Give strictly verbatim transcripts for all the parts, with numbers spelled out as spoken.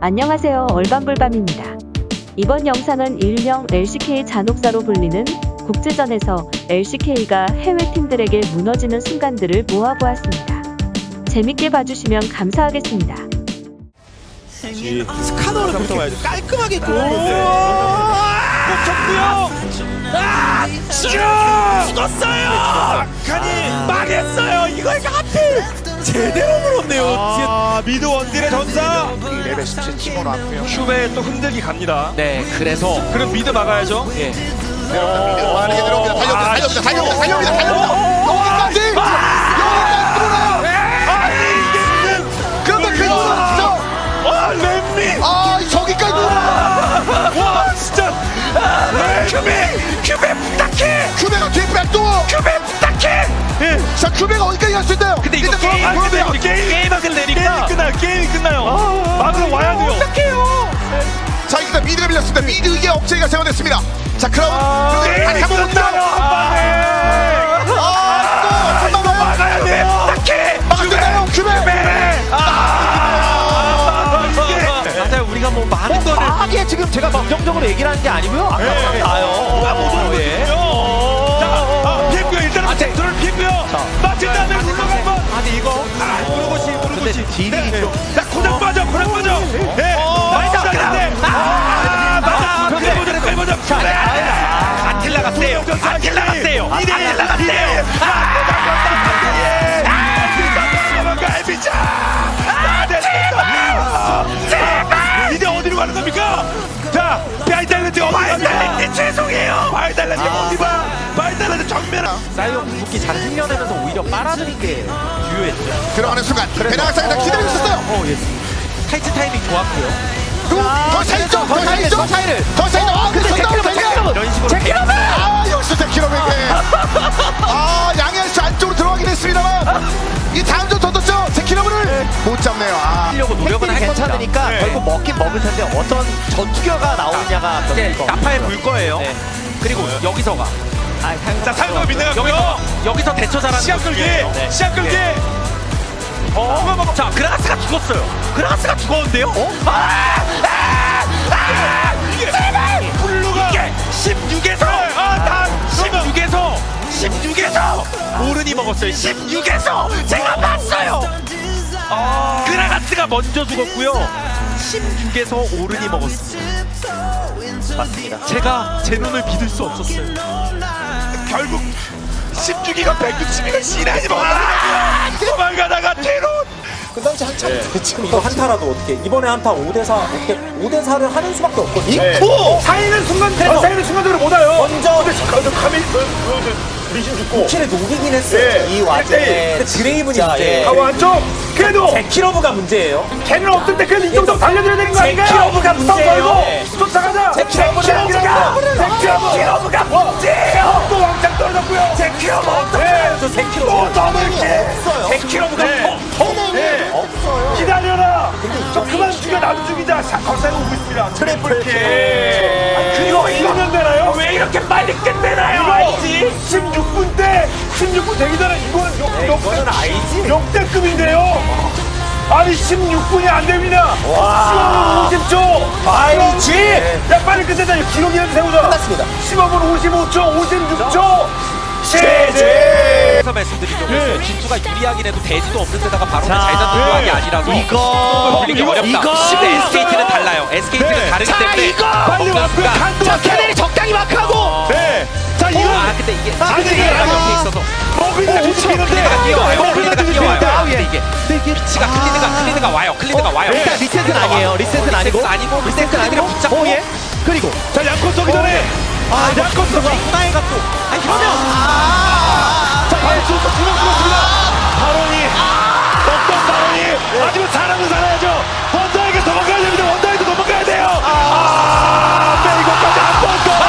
안녕하세요, 얼밤불밤입니다. 이번 영상은 일명 엘씨케이 잔혹사로 불리는 국제전에서 엘씨케이가 해외 팀들에게 무너지는 순간들을 모아보았습니다. 재밌게 봐주시면 감사하겠습니다. 스카너를 그렇게 봐야죠. 깔끔하게 골랐는데 쳤고요. 아! 죽! 죽었어요! 아니 망했어요! 이걸 하필 제대로 물었네요. 아, 미드 원딜의 전사! 레벨 십칠 팀으로 왔고요. 슈베 또 흔들기 갑니다. 네, 그래서 그럼 미드 막아야죠. 예. 내려옵니다. 빠르게 내려옵니다. 달려옵니다. 달려옵니다. 달려옵니다. 달려옵니다. 달려옵니다. 여기까지! 여기까지 들어오나요? 아니 이게 그런데 그 누나 진짜! 아 렘미! 아, 저기까지 누나! 와 진짜! 큐베! 큐베 부탁해! 큐베가 뒤에 백도! 큐베 부탁해! 예. 자, 큐베가 어디까지 갈 수 있나요? 근데 이거 일단 게임 돌아가면 근데 돼요. 우리 게임 게임하길 게임이 내니까 끝나요. 게임이 끝나요. 막으러 와야 돼요. 어떡해요? 자, 일단 미드가 밀렸습니다. 미드의 억제기가 세워됐습니다. 자, 크라운! 아, 그런데 다시 한번 옵니다! 끝나요. 한 방에. 아, 또! 이거 막아요! 막아야 돼. 부탁해. 막을 수 있나요? 큐베! 아, 이게. 맞아요. 우리가 뭐 많은 거를 하기에 지금 제가 긍정적으로 얘기를 하는 게 아니고요. 아까 네. 나요. 누가 못 예. 오거든요. 자, 아, 피했고요. 일단은 잭터를 피했고요. 맞힌 다음에 물러가 한번. 아니 이거 아, 무르고시, 무르고시. 딜이 좀 자, 고장 빠져, 고장 빠져. 예. 많이 나갔는데. 아, 맞아. 근데- 그래 보자, 그래 보자. 그래. 안틸 나갔대요. 안틸 나갔대요. 안틸 안틸 나갔대요. 갈비자. 아, 됐습니다. 제발. 이제 어디로 가는 겁니까? 자, 바이달랜드 어디 갑니까? 바이달랜드 죄송해요. 바이달랜드 어디 봐? 바이달랜드 정면. 사이언 궁극기 잘 생겨내면서 오히려 빨아들인 게 유효했죠. 들어가는 순간 베나가상이 기다리고 있었어요. 어, 예. 타이트 타이밍 좋았고요. 더 차이죠. 더 차이죠. 더 차이를. 더 차이죠. 아, 근데 전담을 되냐? 이런 식으로 제키로베! 아, 역시 제키로베게. 아, 양현씨 안쪽으로 들어가긴 했습니다만 이 다음 점 던졌죠. 제키로베를 못 잡네요. 아, 하려고 노력은 할 괜찮으니까 네. 결국 먹긴 먹을 텐데 어떤 전투겨가 나오느냐가 이제 거. 나파에 물 거예요. 네. 그리고 여기서가 아, 자, 상도가 빗나갔고요. 여기서 여기서 대처 잘하는 시합 게 끌기. 중요해요. 네. 시합 끌기. 어, 자, 그라가스가 죽었어요. 그라가스가 죽었는데요? 어? 이게 제발 블루가 이게 십육에서 아, 다 십육에서 십육에서 오른이 먹었어요. 십육에서 제가 봤어요. 아, 그라가스가 먼저 죽었고요. 십육에서 오른이 먹었습니다. 맞습니다. 제가 제 눈을 믿을 수 없었어요. 결국 십육이가 백육십이가 시나지 못하더라고요. 도망가다가 뒤로. 그 당시 한참 지금 이거 한타라도 어떻게 이번에 한타 오 대 사 어떻게 오 대 사를 하는 수밖에 없거든요. 오! 사이는 순간 사이는 순간적으로 못 와요. 먼저 카밀 리신 죽고 키를 녹이긴 했어요. 예. 이 와중에 근데 드레이븐이 문제예요. 하고 안쪽 그래도 제키러브가 문제예요. 걔는 없을 때 그래도 이 정도 달려줘야 되는 거 아닌가요? 제키러브가 문제예요. 네. 쫓아가자. 제키러브를 제키러브가 제키러브가 문제예요. 또 왕창 떨어졌고요. 제키러브 어떡해? 저 제키러브 또 넘을게. 없어요. 제키러브가 네. 없어요. 기다려라. 저 그만 죽여 나도 죽이자. 거세고 오고 있습니다. 트리플 킬. 그리고 이러면 되나요? 왜 이렇게 빨리 끝내나요? 알지? 십육 분 때 십육 분 되기 전에 이거는 역, 역, 이거는 알지. 역대급인데요. 아니 십육 분이 안 됩니다. 십오 분 오십 초. 알지. 야 빨리 끝내자. 기록이라도 세우자. 끝났습니다. 십오 분 오십오 초, 오십육 초. 제제. 그래서 말씀드리죠. 네. 진수가 유리하긴 해도 대지도 없는 데다가 바로 자, 잘 잡는 조합이 네. 아니라서 이거 돌리기 이거, 어렵다. 이거. 근데 에스케이티는 달라요. 에스케이티는 네. 다르기 자, 때문에 이거. 빨리 없는 왔고요. 순간 간도 자, 왔어요. 캐넬이 적당히 마크하고. 네. 자 이거 아 근데 이게 아, 근데 이게 클리드가 아니야. 옆에 있어서 머그리가 뒤집히는데. 클리드가 뛰어와요. 머그리가 클리드가 뒤집히는데. 뛰어와요. 근데 이게 피치가 클리드가 클리드가 와요. 클리드가 와요. 일단 리셋은 아니에요. 리셋은 아니고. 리셋은 아니고 리셋은 클리드가 아니고. 붙잡고 어, 예. 그리고 자 양코 쏘기 전에. 아, 양코 쏘기. 나이가 또 아니 그러면 자 바로 쏘고 들어갔습니다. 바론이 어떤 바론이 하지만 사람은 살아야죠. 원더에게 도망가야 됩니다. 원더에게 도망가야 돼요. 아 빼고까지 한 번 더.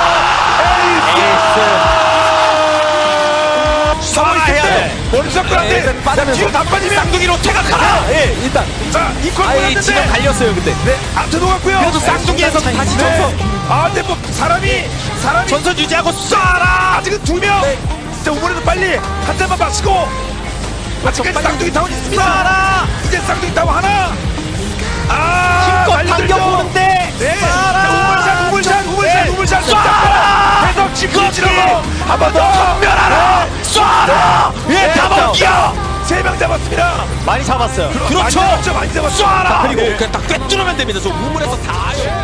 에이스. 살아야 돼. 머리 잡고 안 돼. 자 뒤로 다 빠지면 쌍둥이로 퇴각하라. 예, 일단 자 이퀄 아예 보냈는데. 지금 갈렸어요, 근데. 네 앞에 녹았고요. 그래도 쌍둥이에서 다시 네. 전선 아 근데 뭐 사람이 사람이 전선 유지하고 쏴라. 아직은 두 명. 진짜 이번에도 빨리 한 잔만 마시고. 아직까지 쌍둥이 타운 있습니다. 쏴라. 이제 쌍둥이 타운 하나. 아 힘껏 달려들죠. 한 번 더 전멸하라. 쏴라. 예, 잡았기요. 세 명 잡았습니다. 많이 잡았어요. 많이 잡았죠. 많이 잡았죠. 쏴라. 그리고 그냥 딱 꿰뚫으면 됩니다. 저 우물에서 다